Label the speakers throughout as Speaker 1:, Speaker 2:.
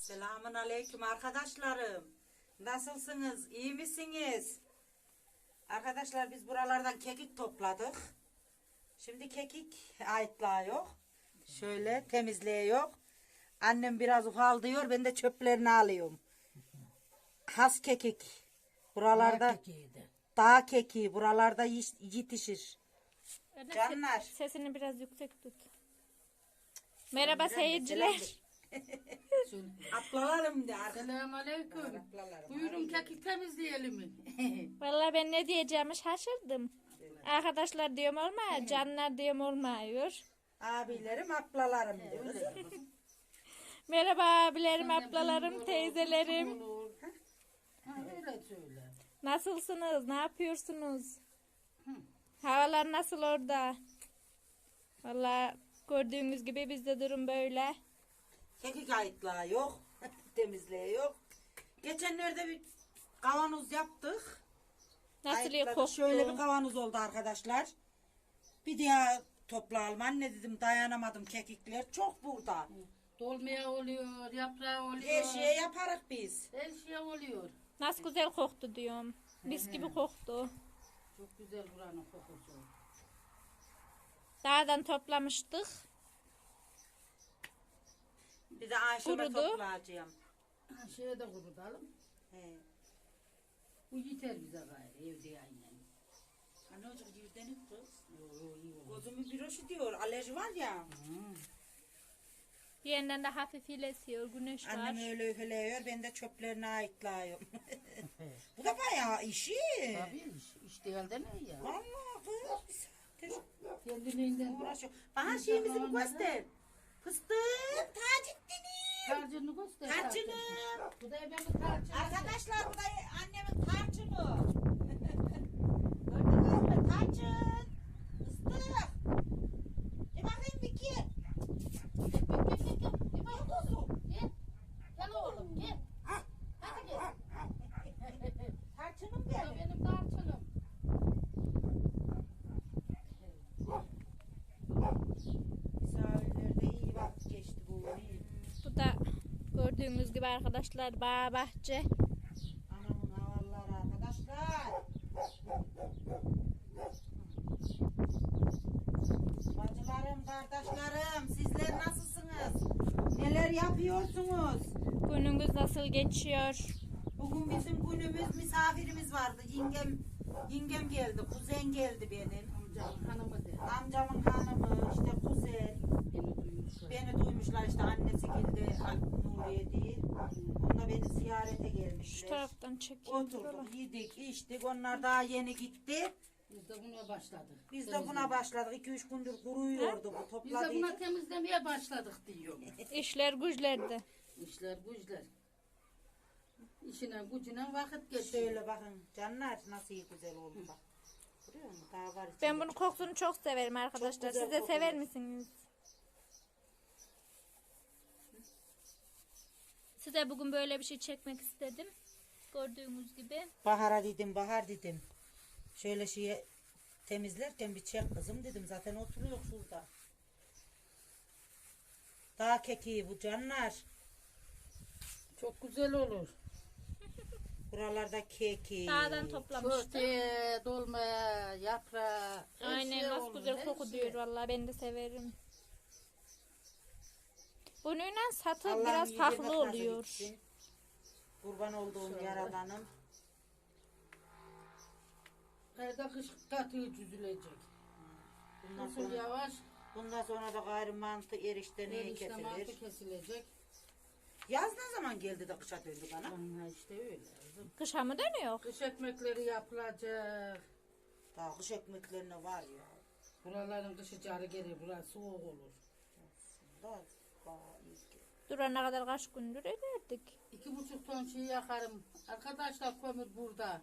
Speaker 1: Selamun aleyküm arkadaşlarım. Nasılsınız? İyi misiniz? Arkadaşlar biz buralardan kekik topladık. Şimdi kekik ayıtlıyor. Şöyle temizliyor. Annem biraz ufaldıyor. Ben de çöplerini alıyorum. Has kekik. Buralarda dağ kekiği. Buralarda yetişir. Canlar.
Speaker 2: Sesini biraz yüksek tut. Merhaba seyirciler.
Speaker 1: Atlalarım de.
Speaker 3: Selamünaleyküm. Buyurun kekik temizleyelim mi?
Speaker 2: Vallahi ben ne diyeceğimi şaşırdım. Arkadaşlar diyorum olmuyor, canlar diyorum olmuyor.
Speaker 1: Abilerim, ablalarım diyoruz.
Speaker 2: Merhaba abilerim, ablalarım, teyzelerim.
Speaker 3: Ha, öyle söyle.
Speaker 2: Nasılsınız? Ne yapıyorsunuz? Havalar nasıl orada? Vallahi gördüğünüz gibi bizde durum böyle.
Speaker 1: Kekik ayıtlığı yok. Temizliği yok. Geçenlerde bir kavanoz yaptık.
Speaker 2: Nasıl
Speaker 1: Ayıtladık.
Speaker 2: koktu?
Speaker 1: Şöyle bir kavanoz oldu arkadaşlar. Bir daha toplayalım. Anne dedim dayanamadım kekikler. Çok burada.
Speaker 3: Dolmaya oluyor, yaprağı oluyor.
Speaker 1: Her şeyi yaparız biz.
Speaker 3: Her şey oluyor.
Speaker 2: Nasıl güzel koktu diyorum. Mis gibi koktu.
Speaker 3: Çok güzel buranın kokusu.
Speaker 2: Dağdan toplamıştık.
Speaker 1: Bir de Ayşe'me
Speaker 2: Kurudu.
Speaker 1: toplayacağım.
Speaker 3: Ha, şeye de kurutalım.
Speaker 1: He.
Speaker 3: Bu yeter bize gayrı evde aynen.
Speaker 1: Anne hocam yüzdenik kız.
Speaker 3: İyi olur.
Speaker 1: Gözümün bir hoşu diyor. Alerji var ya.
Speaker 2: Bir yandan da hafif esiyor. Güneş var.
Speaker 1: Annem öyle üfeleyiyor. Ben de çöplerine ayıklıyorum. Bu da bayağı işi.
Speaker 3: Tabii iş değil de ne ya?
Speaker 1: Vallahi kız.
Speaker 3: Kendiliğinden
Speaker 1: Uğraşıyor. Bana şeyimizi bir göster. Fıstık. Taceddin'im.
Speaker 3: tarçını göster.
Speaker 1: Tarçınım.
Speaker 3: Bu da benim tarçınım.
Speaker 1: Arkadaşlar bu da annemin tarçını. Gördünüz mü? Tarçın. Fıstık. Bir bakayım bir ki.
Speaker 3: Bir bak kuzum. Gel. Gel oğlum gel. Hadi gel.
Speaker 1: Tarçınım
Speaker 3: Bu da
Speaker 1: benim.
Speaker 3: benim tarçınım.
Speaker 1: Misafirlerde iyi vakit geçti bu. İyi.
Speaker 2: Bu da gördüğünüz gibi arkadaşlar bağ bahçe.
Speaker 1: Anamın havalları arkadaşlar. Bacılarım, kardeşlerim, sizler nasılsınız? Neler yapıyorsunuz?
Speaker 2: Gününüz nasıl geçiyor?
Speaker 1: Bugün bizim günümüz misafirimiz vardı. Yengem geldi, kuzen geldi benim.
Speaker 3: Amcam hanımı de.
Speaker 1: Amcamın hanımı, işte kuzen.
Speaker 3: Beni duymuşlar.
Speaker 1: Beni duymuşlar işte annesi geldi, Nuriye değil. Onlar beni ziyarete
Speaker 2: Şu
Speaker 1: gelmişler.
Speaker 2: taraftan çekeyim.
Speaker 1: Oturduk, yedik, içtik. Onlar daha yeni gitti.
Speaker 3: Biz de buna başladık.
Speaker 1: Biz de buna başladık. 2-3 gündür kuruyordu bu.
Speaker 3: Biz de
Speaker 1: Topladık.
Speaker 3: buna temizlemeye başladık diyor.
Speaker 2: İşler güçlerdi.
Speaker 3: İşler güçler. İşine gücüne vakit geçiyor.
Speaker 1: Şöyle bakın canlar nasıl iyi güzel oldu bak. Görüyor musun? Daha var içinde.
Speaker 2: Ben bunun kokusunu çok severim arkadaşlar.
Speaker 1: güzel
Speaker 2: Siz de
Speaker 1: kokuyor.
Speaker 2: sever misiniz? Size bugün böyle bir şey çekmek istedim. Gördüğünüz gibi.
Speaker 1: Bahar'a dedim, Bahar dedim. Şöyle şeyi temizlerken bir çek kızım dedim. Zaten oturuyor şurada. Dağ kekiği bu canlar.
Speaker 3: Çok güzel olur.
Speaker 1: Buralarda keki.
Speaker 2: Dağdan toplamıştım.
Speaker 3: Köfte, dolma, yaprağı. her
Speaker 2: Aynen
Speaker 3: şey
Speaker 2: nasıl
Speaker 3: olur,
Speaker 2: güzel
Speaker 3: her
Speaker 2: koku
Speaker 3: şey.
Speaker 2: diyor vallahi ben de severim. Bununla satı
Speaker 1: Allah'ım
Speaker 2: biraz
Speaker 1: iyi
Speaker 2: farklı
Speaker 1: yemek nasip
Speaker 2: oluyor.
Speaker 1: etsin. Kurban olduğum yaradanım.
Speaker 3: Kayda kış katı çözülecek.
Speaker 1: Bundan
Speaker 3: Nasıl
Speaker 1: sonra,
Speaker 3: yavaş,
Speaker 1: bundan sonra da gayrı mantı erişte neye
Speaker 3: erişte
Speaker 1: kesilir.
Speaker 3: mantı kesilecek.
Speaker 1: Yaz ne zaman geldi de kışa döndü bana?
Speaker 3: Ha işte öyle. kızım.
Speaker 2: Kışa mı dönüyor?
Speaker 3: Kış ekmekleri yapılacak.
Speaker 1: Daha kış ekmeklerine var ya.
Speaker 3: Buraların kışı carı gelir, burası soğuk olur.
Speaker 1: Daha iyi ki.
Speaker 2: Durana kadar kaç gündür ederdik.
Speaker 3: 2,5 ton şey yakarım. Arkadaşlar kömür burada.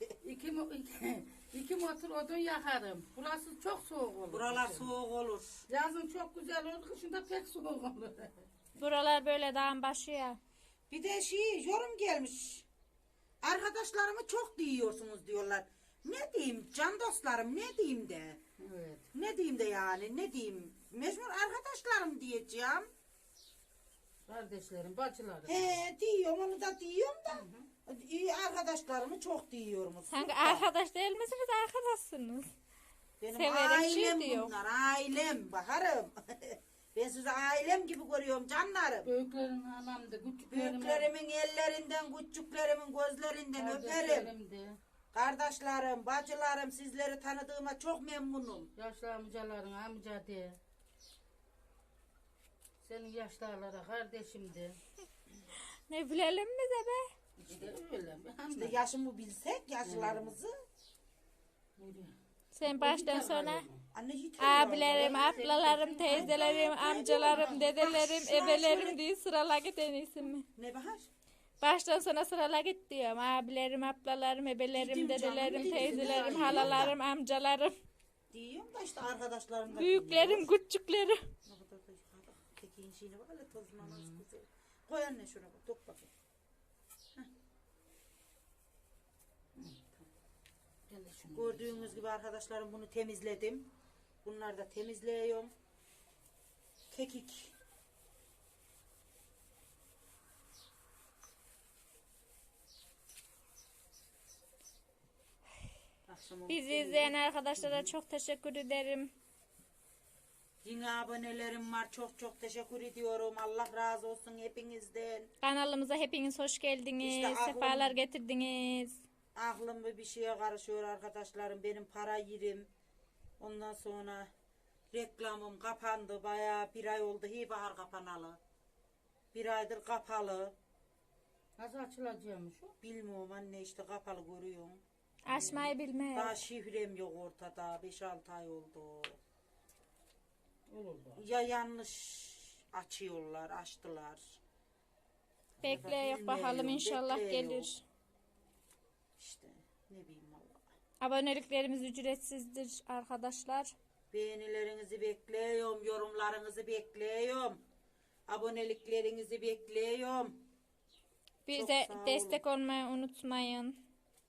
Speaker 3: iki motor odun yakarım. Burası çok soğuk olur.
Speaker 1: Buralar
Speaker 3: kışın.
Speaker 1: soğuk olur.
Speaker 3: Yazın çok güzel olur, kışında pek soğuk olur.
Speaker 2: Buralar böyle dağın başı ya.
Speaker 1: Bir de yorum gelmiş. Arkadaşlarımı çok diyorsunuz diyorlar. Ne diyeyim can dostlarım ne diyeyim de.
Speaker 3: Evet.
Speaker 1: Ne diyeyim de yani ne diyeyim. Mecbur arkadaşlarım diyeceğim.
Speaker 4: Kardeşlerim, bacılarım.
Speaker 1: He diyorum, onu da diyorum da. İyi arkadaşlarımı çok diyorum.
Speaker 2: Sanki arkadaş değil misiniz? Arkadaşsınız.
Speaker 1: Benim
Speaker 2: severek şey
Speaker 1: ailem
Speaker 2: diyor.
Speaker 1: bunlar, ailem baharım. Ben sizi ailem gibi görüyorum canlarım.
Speaker 4: Büyüklerin anamdı, küçüklerimin
Speaker 1: Büyüklerimin ellerinden, küçüklerimin gözlerinden öperim.
Speaker 4: kardeşlerimdi.
Speaker 1: Kardeşlerim, bacılarım, sizleri tanıdığıma çok memnunum.
Speaker 4: Yaşlı amcaların amca de. Senin yaşlılara kardeşimdi.
Speaker 2: Ne bilelim mi de be?
Speaker 4: İşte öyle.
Speaker 1: İşte yaşımı bilsek, yaşlarımızı.
Speaker 2: Sen baştan sona
Speaker 1: Anne hiç
Speaker 2: abilerim, ablalarım, teyzelerim, amcalarım, dedelerim, ebelerim diye sırala git en iyisi mi?
Speaker 1: Ne Bahar?
Speaker 2: Baştan sona sırala git diyorum. Abilerim, ablalarım, ebelerim,
Speaker 1: Dedim canım,
Speaker 2: dedelerim,
Speaker 1: dedim.
Speaker 2: teyzelerim,
Speaker 1: Dedim.
Speaker 2: halalarım, amcalarım,
Speaker 1: Diyorum da işte arkadaşlarım da
Speaker 2: büyüklerim, küçüklerim.
Speaker 1: Ne kadar da yukarıda. Tekin şeyine bak hele tozuna nasıl güzel. Koy anne şuna bak, dök bakayım. Gördüğünüz gibi arkadaşlarım bunu temizledim. Bunları da temizliyorum. Kekik. Akşam
Speaker 2: Bizi izleyen arkadaşlara çok teşekkür ederim.
Speaker 1: yine abonelerim var. Çok çok teşekkür ediyorum. Allah razı olsun hepinizden.
Speaker 2: Kanalımıza hepiniz hoş geldiniz.
Speaker 1: İşte aklım-
Speaker 2: Sefalar getirdiniz.
Speaker 1: Aklım bir şeye karışıyor arkadaşlarım. Benim para yerim. Ondan sonra reklamım kapandı. Bayağı bir ay oldu. Bahar kapanalı. Bir aydır kapalı.
Speaker 4: Nasıl açılacakmış o?
Speaker 1: Bilmiyorum anne, işte kapalı görüyorum.
Speaker 2: Açmayı bilmem.
Speaker 1: Daha şifrem yok ortada. 5-6 ay oldu.
Speaker 4: Olur da.
Speaker 1: Ya yanlış açıyorlar, açtılar.
Speaker 2: Bekle yok bakalım
Speaker 1: Bilmiyorum,
Speaker 2: inşallah
Speaker 1: bekleyin.
Speaker 2: gelir.
Speaker 1: İşte ne bileyim valla.
Speaker 2: Aboneliklerimiz ücretsizdir arkadaşlar.
Speaker 1: Beğenilerinizi bekliyorum, yorumlarınızı bekliyorum. Aboneliklerinizi bekliyorum.
Speaker 2: Bize
Speaker 1: sağ olun.
Speaker 2: destek olmayı unutmayın.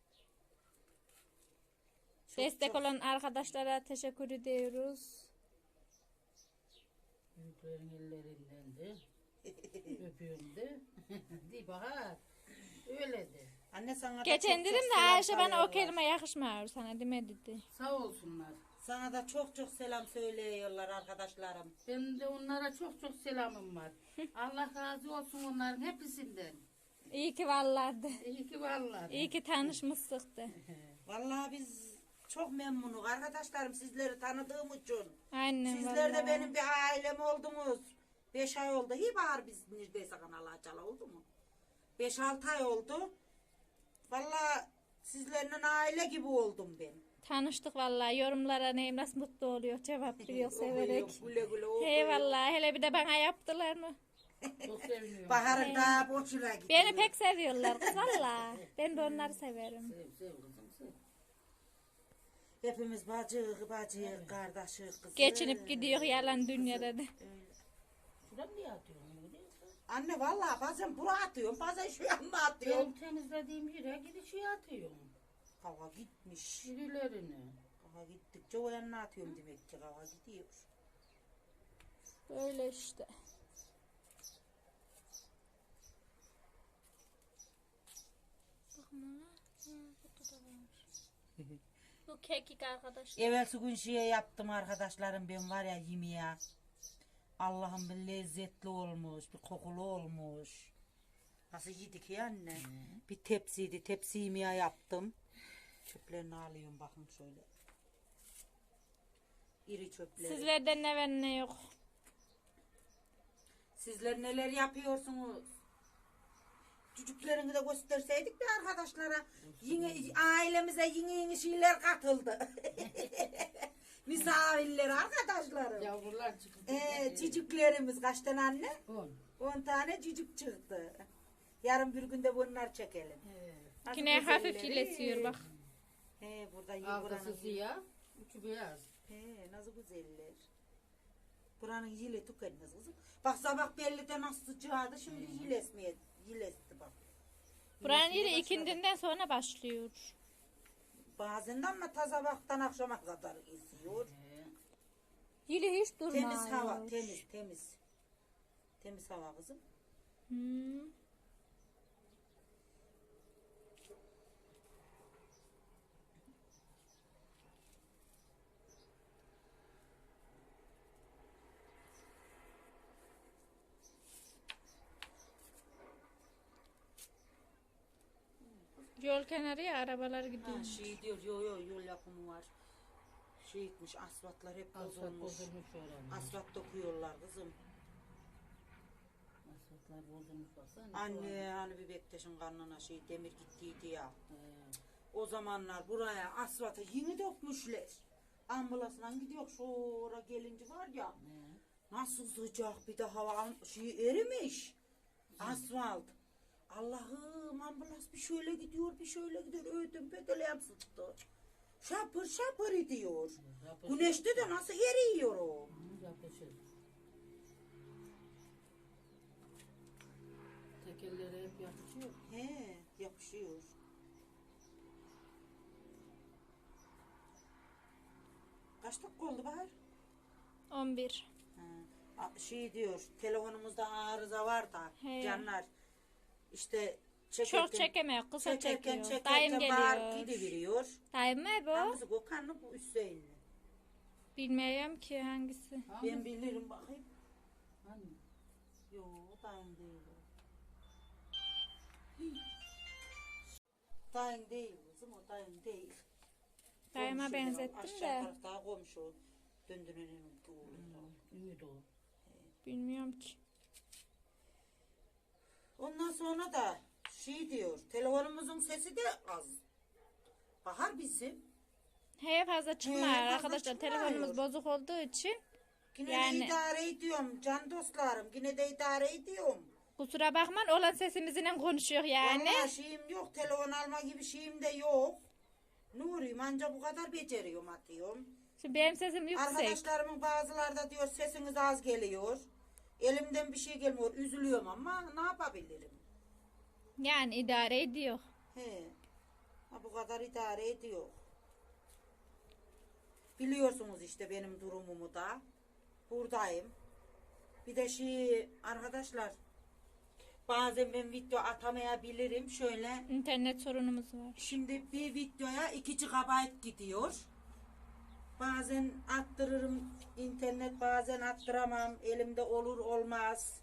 Speaker 1: Çok
Speaker 2: Destek
Speaker 1: çok-
Speaker 2: olan arkadaşlara teşekkür ediyoruz.
Speaker 4: Büyüklerin ellerinden de. Öpüyorum de. Di Bahar. Öyle de.
Speaker 1: Anne sana da
Speaker 2: Geçen
Speaker 1: çok
Speaker 2: dedim
Speaker 1: çok
Speaker 2: de
Speaker 1: selam
Speaker 2: Ayşe bana o
Speaker 1: söylüyorlar.
Speaker 2: kelime yakışmıyor sana demedi.
Speaker 4: Sağ olsunlar.
Speaker 1: Sana da çok çok selam söylüyorlar arkadaşlarım.
Speaker 4: Benim de onlara çok çok selamım var. Allah razı olsun onların hepsinden.
Speaker 2: İyi ki varlardı.
Speaker 4: İyi ki varlar.
Speaker 2: İyi ki tanışmıştık da.
Speaker 1: Vallahi biz çok memnunuz arkadaşlarım sizleri tanıdığım için.
Speaker 2: Aynen
Speaker 1: Sizler de
Speaker 2: vallahi.
Speaker 1: benim bir ailem oldunuz. 5 ay oldu. Bahar biz neredeyse kanal açalı oldu mu? 5-6 ay oldu. Vallahi sizlerle aile gibi oldum ben.
Speaker 2: Tanıştık vallahi. Yorumlara neyim nasıl mutlu oluyor. Cevap veriyor severek.
Speaker 1: Okuyor, güle güle okuyor.
Speaker 2: Hey vallahi hele bir de bana yaptılar mı?
Speaker 4: Çok seviniyorum.
Speaker 1: Bahar'ın daha boşuna gitti.
Speaker 2: Beni pek seviyorlar kız valla. Ben de onları severim.
Speaker 4: Sev kızım sev.
Speaker 1: Hepimiz bacı, kardeşi, kızı.
Speaker 2: Geçinip gidiyor yalan dünyada da.
Speaker 4: Şuradan niye atıyorsun? Öyle değil mi?
Speaker 1: Anne vallahi bazen buraya atıyorum, bazen şu yanına atıyorum.
Speaker 4: Ben temizlediğim yere gidişi atıyorum.
Speaker 1: Hava gitmiş.
Speaker 4: Birilerini.
Speaker 1: Hava gittikçe o yanına atıyorum demek ki hava gidiyor.
Speaker 2: Böyle işte. Bu kekik arkadaşlar.
Speaker 1: Evvelsi gün şey yaptım arkadaşlarım, ben var ya yemeğe. Allah'ım bir lezzetli olmuş, bir kokulu olmuş. Nasıl yedik ya anne? Bir tepsiydi, tepsi yemeğe yaptım. Çöplerini alıyorum bakın şöyle. İri çöpleri.
Speaker 2: Sizlerden ne var ne yok.
Speaker 1: Sizler neler yapıyorsunuz? Çocuklarını da gösterseydik de arkadaşlara. Yine, ailemize yeni şeyler katıldı. Misafirler arkadaşlarım.
Speaker 4: Yavrular çıktı.
Speaker 1: Çocuklarımız kaç tane anne?
Speaker 4: 10.
Speaker 1: 10 tane çocuk çıktı. Yarın bir günde bunlar çekelim. Nasıl
Speaker 2: Yine hafif
Speaker 1: güzelleri.
Speaker 2: ilesiyor bak.
Speaker 1: Burada
Speaker 4: Arkası
Speaker 1: buranın.
Speaker 4: siyah, uçu beyaz.
Speaker 1: Nasıl güzeller. Buranın yile tükenmez kızım. Bak sabah belli de nasıl sıcağdı, şimdi yilesti bak.
Speaker 2: Buranın
Speaker 1: Yilesmeye
Speaker 2: yeri
Speaker 1: başladı.
Speaker 2: ikindinden sonra başlıyor.
Speaker 1: Bazen de ama ta sabahtan akşama kadar esiyor.
Speaker 2: Yili hiç durmuyor.
Speaker 1: Temiz hava, temiz. Temiz hava kızım.
Speaker 2: Hmm. Yol kenarı ya arabalar gidiyor.
Speaker 1: Ha, şey diyor yol yapımı var. Şey etmiş asfaltlar hep
Speaker 4: Asfalt
Speaker 1: bozulmuş.
Speaker 4: bozulmuş oranın.
Speaker 1: Asfalt dokuyorlar kızım.
Speaker 4: Asfaltlar bozulmuş baksana.
Speaker 1: Anne hani bir Bektaş'ın karnına şey demir gittiydi ya.
Speaker 4: He.
Speaker 1: O zamanlar buraya asfaltı yeni dökmüşler. Ambulansla gidiyor şura gelince var ya.
Speaker 4: He.
Speaker 1: Nasıl sıcak bir de hava şey erimiş. Asfalt. Allah'ım ambulans bir şöyle gidiyor bir şöyle gidiyor. Ödüm bedeleyem sıktı. Şapır şapır ediyor.
Speaker 4: Yapışır.
Speaker 1: Güneşte de nasıl eriyor o.
Speaker 4: Yapışır. Tekerlere hep yapışıyor.
Speaker 1: He yapışıyor. Kaç dakika oldu Bahar?
Speaker 2: 11.
Speaker 1: Şey diyor telefonumuzda arıza var da
Speaker 2: He.
Speaker 1: canlar işte
Speaker 2: Çok çekemiyor, kısa
Speaker 1: çekerken
Speaker 2: çekiyor. Dayım
Speaker 1: bağır
Speaker 2: geliyor.
Speaker 1: gidiveriyor.
Speaker 2: Dayım mı bu?
Speaker 1: Hangisi Gökhan'la bu Hüseyin'le?
Speaker 2: Bilmiyorum ki hangisi.
Speaker 1: Ben bilirim bakayım.
Speaker 4: Hani?
Speaker 1: Yo dayım değil o. Dayım değil kızım o dayım değil.
Speaker 2: Dayıma
Speaker 1: Komşu
Speaker 2: benzettim
Speaker 1: aşağı
Speaker 2: de.
Speaker 1: tarafta komşu. Döndürenin oğlu.
Speaker 4: Ümit o.
Speaker 2: Bilmiyorum ki.
Speaker 1: Ondan sonra da şey diyor telefonumuzun sesi de az. Bahar bizim.
Speaker 2: He fazla çıkmıyor
Speaker 1: He, fazla
Speaker 2: arkadaşlar.
Speaker 1: çıkmıyor.
Speaker 2: Telefonumuz bozuk olduğu için.
Speaker 1: Yine
Speaker 2: Yani-
Speaker 1: de idare ediyorum can dostlarım. Yine de idare ediyorum.
Speaker 2: Kusura bakmayın olan sesimizle konuşuyor yani.
Speaker 1: Vallahi şeyim yok. Telefon alma gibi şeyim de yok. Nuriyim anca bu kadar beceriyorum atıyorum.
Speaker 2: Şimdi benim sesim yüksek.
Speaker 1: Arkadaşlarımın bazıları da diyor sesiniz az geliyor. Elimden bir şey gelmiyor. Üzülüyorum ama ne yapabilirim?
Speaker 2: Yani idare ediyor.
Speaker 1: He. Ha, bu kadar idare ediyor. Biliyorsunuz işte benim durumumu da. Buradayım. Bir de şey arkadaşlar bazen ben video atamayabilirim. Şöyle
Speaker 2: İnternet sorunumuz var.
Speaker 1: şimdi bir videoya 2 GB gidiyor. Bazen attırırım internet bazen attıramam. Elimde olur olmaz.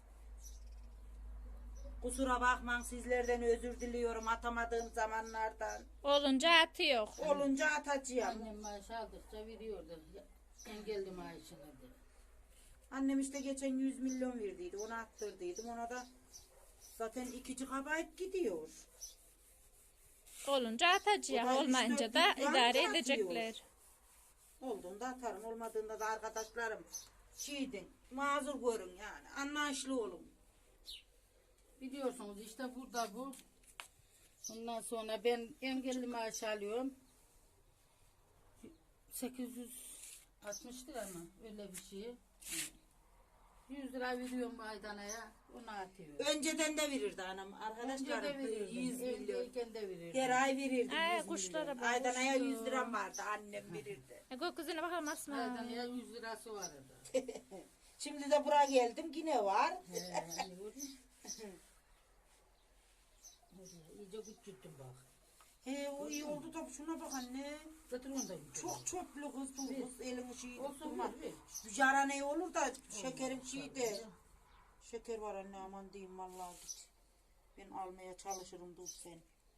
Speaker 1: Kusura bakmayın sizlerden özür diliyorum atamadığım zamanlardan.
Speaker 2: Olunca atıyor.
Speaker 1: Olunca atacağım.
Speaker 4: Annem maaş aldıkça veriyordu. Engelli maaşını da.
Speaker 1: Annem işte geçen 100 milyon verdiydi. Onu attırdıydım. Ona da zaten 2 GB gidiyor.
Speaker 2: Olunca atacak.
Speaker 1: O da
Speaker 2: Olmayınca
Speaker 1: üç
Speaker 2: da
Speaker 1: dört yıl
Speaker 2: idare
Speaker 1: atıyor.
Speaker 2: edecekler.
Speaker 1: Olduğunda atarım. Olmadığında da arkadaşlarım şeydin. Mazur görün yani. Anlayışlı olun.
Speaker 4: Biliyorsunuz işte burada bu. Ondan sonra ben engelli maaş alıyorum. 860 lira mı? Öyle bir şey. 100 lira veriyorum Aydana'ya. Onu atıyor.
Speaker 1: Önceden de verirdi anam.
Speaker 4: Önce
Speaker 1: Arkadaşlar
Speaker 4: de verirdim.
Speaker 1: 100 milyon.
Speaker 4: Evdeyken de verirdim.
Speaker 1: Her ay verirdi
Speaker 2: Ay,
Speaker 1: 100
Speaker 2: kuşlara
Speaker 1: milyon.
Speaker 2: bak,
Speaker 1: Aydana'ya
Speaker 2: kuşlar.
Speaker 1: 100 liram vardı. Annem verirdi.
Speaker 2: Gökyüzüne bakalım Asma.
Speaker 4: Aydana'ya 100 lirası vardı.
Speaker 1: Şimdi de buraya geldim. Yine var.
Speaker 4: Hani gördün mü? İyice küçülttüm bak.
Speaker 1: He o iyi oldu da şuna bak anne.
Speaker 4: Götür onu da götür.
Speaker 1: Çok çöplü kız bu kız. Elini şeyi
Speaker 4: Olsun
Speaker 1: tutma.
Speaker 4: ver.
Speaker 1: Yara ne olur da şekerim şeyi de. Şeker var anne aman diyeyim vallahi git. Ben almaya çalışırım dur sen.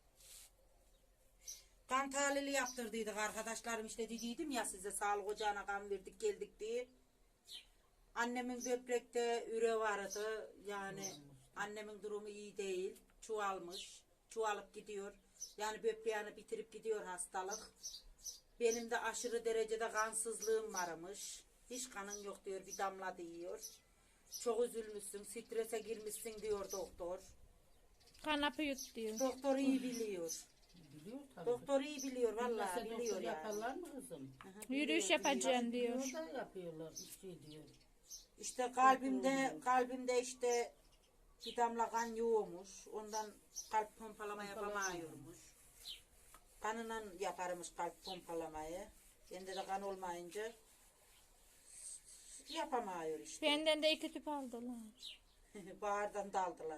Speaker 1: Kan tahlili yaptırdıydık arkadaşlarım işte dediydim ya size sağlık ocağına kan verdik geldik diye. Annemin böbrekte üre vardı yani annemin durumu iyi değil. Çuvalmış. Çuvalıp gidiyor. Yani böbreğini bitirip gidiyor hastalık. Benim de aşırı derecede kansızlığım varmış. Hiç kanın yok diyor bir damla diyor. Çok üzülmüşsün strese girmişsin diyor doktor.
Speaker 2: Kanapı yut diyor.
Speaker 1: Doktor iyi biliyor.
Speaker 4: Biliyor tabii.
Speaker 1: Doktor iyi biliyor vallahi
Speaker 4: Bilmese
Speaker 1: biliyor
Speaker 4: doktor
Speaker 1: yani.
Speaker 4: yaparlar mı kızım?
Speaker 2: Yürüyüş yapacağım diyor.
Speaker 4: Biliyor da yapıyorlar. Şey diyor.
Speaker 1: İşte kalbimde işte bir damla kan yoğumuş. Ondan kalp pompalama yapamıyormuş. Kanıyla yaparmış kalp pompalamayı. Bende de kan olmayınca yapamıyor işte.
Speaker 2: Benden de 2 tüp aldılar.
Speaker 1: Bahardan daldılar.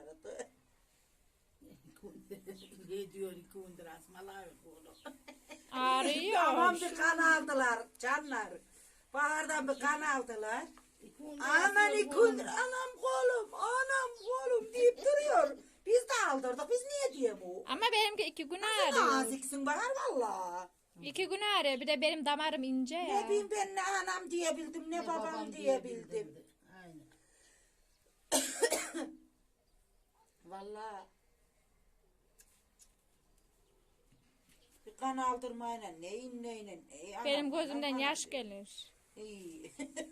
Speaker 4: Ne diyor 2 gündür asmalar bunu.
Speaker 2: Ağrıyor.
Speaker 1: Tamam bir kan aldılar canlar. Bahardan bir kan aldılar. Aman ikundur anam kolum deyip duruyor. Biz de aldırdık. Biz niye diye bu?
Speaker 2: Ama benimki 2 gün
Speaker 1: Sen
Speaker 2: ağrıyor.
Speaker 1: naziksin Bahar valla.
Speaker 2: 2 gün ağrıyor. Bir de benim damarım ince
Speaker 1: Ne
Speaker 2: ya.
Speaker 1: bileyim ben ne anam diyebildim ne babam diyebildim.
Speaker 4: Aynen.
Speaker 1: Valla. Bir kan aldırmayla neyin.
Speaker 2: Benim gözümden yaş gelir.
Speaker 1: İyi.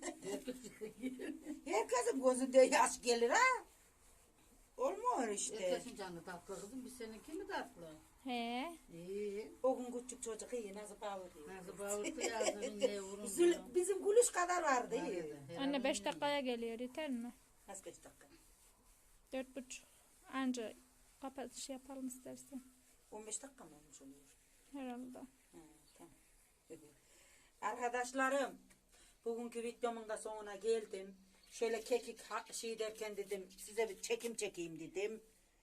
Speaker 1: Herkesin gözünde yaş gelir ha. Olmuyor işte.
Speaker 4: Herkesin canı tatlı kızım. Biz seninki mi tatlı?
Speaker 2: He.
Speaker 4: İyi.
Speaker 1: O gün küçük çocuk iyi nasıl bağırıyor.
Speaker 4: Nasıl bağırdı yazdım ne vurun.
Speaker 1: Bizim gülüş kadar vardı iyi.
Speaker 2: Anne 5 dakikaya geliyor. Yeter mi?
Speaker 1: Nasıl 5 dakika?
Speaker 2: 4,5. Anca kapatış yapalım istersen.
Speaker 1: 15 dakika mı olmuş oluyor?
Speaker 2: Herhalde.
Speaker 1: Ha, tamam. Arkadaşlarım, bugünkü videomun da sonuna geldim. Şöyle kekik şey derken dedim, size bir çekim çekeyim dedim.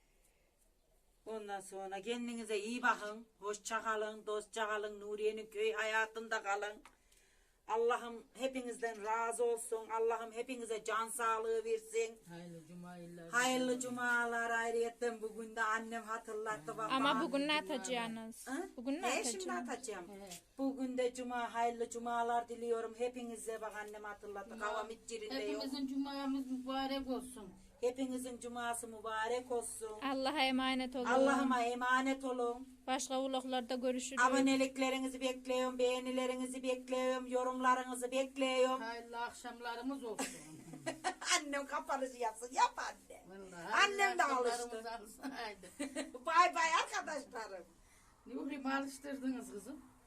Speaker 1: Ondan sonra kendinize iyi bakın. Hoşça kalın, dostça kalın. Nuriye'nin köy hayatında kalın. Allah'ım hepinizden razı olsun. Allah'ım hepinize can sağlığı versin.
Speaker 4: Hayırlı cuma yıllar.
Speaker 1: Hayırlı cumalar ayrıyetten bugün de annem hatırlattı baba.
Speaker 2: Ama bugün ne atacaksınız?
Speaker 1: Ha?
Speaker 2: Bugün ne
Speaker 1: Şimdi
Speaker 2: atacaksınız?
Speaker 1: atacağım.
Speaker 4: He.
Speaker 1: Bugün de cuma, hayırlı cumalar diliyorum. Hepinize bak annem hatırlattı. Havam hiç yerinde yok.
Speaker 4: Hepimizin cumamız mübarek olsun.
Speaker 1: Hepinizin cuması mübarek olsun.
Speaker 2: Allah'a emanet olun.
Speaker 1: Allah'ıma emanet olun.
Speaker 2: Başka vloglarda görüşürüz.
Speaker 1: Aboneliklerinizi bekliyorum, beğenilerinizi bekliyorum, yorumlarınızı bekliyorum.
Speaker 4: Hayırlı akşamlarımız olsun.
Speaker 1: Annem kapanışı yapsın, yap anne.
Speaker 4: Vallahi
Speaker 1: Annem de
Speaker 4: hayırlı
Speaker 1: alıştı.
Speaker 4: akşamlarımız olsun. Haydi.
Speaker 1: Bay bay arkadaşlarım.
Speaker 4: Nuri'mi alıştırdınız kızım.